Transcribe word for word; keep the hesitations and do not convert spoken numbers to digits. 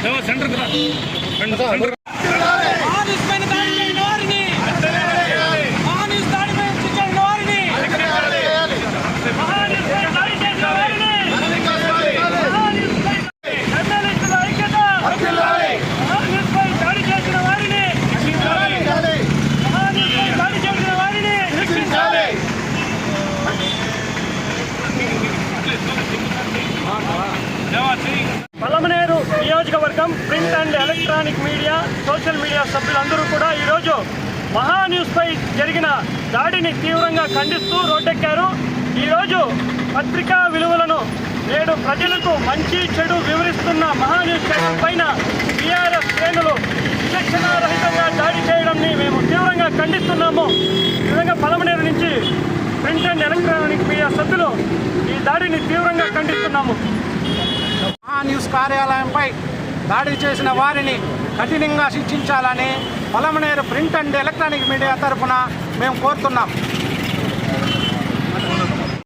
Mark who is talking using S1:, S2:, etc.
S1: పలమనేరు నియోజకవర్గం print and electronic media social media సభ్యులందరూ కూడా ఈరోజు మహా న్యూస్పై జరిగిన దాడిని తీవ్రంగా ఖండిస్తూ రోడ్డెక్కారు. ఈరోజు పత్రికా విలువలను నేడు ప్రజలకు మంచి చెడు వివరిస్తున్న మహా న్యూస్ పైన టీఆర్ఎస్ శ్రేణులు విచక్షణారహితంగా దాడి చేయడాన్ని మేము తీవ్రంగా ఖండిస్తున్నాము. ఈ విధంగా పలమనేరు నుంచి ప్రింట్ అండ్ ఎలక్ట్రానిక్ మీడియా సభ్యులు ఈ దాడిని తీవ్రంగా ఖండిస్తున్నాము.
S2: మహా న్యూస్ కార్యాలయంపై దాడి చేసిన వారిని కఠినంగా శిక్షించాలని Palamaneru print and electronic media తరఫున మేము కోరుతున్నాం.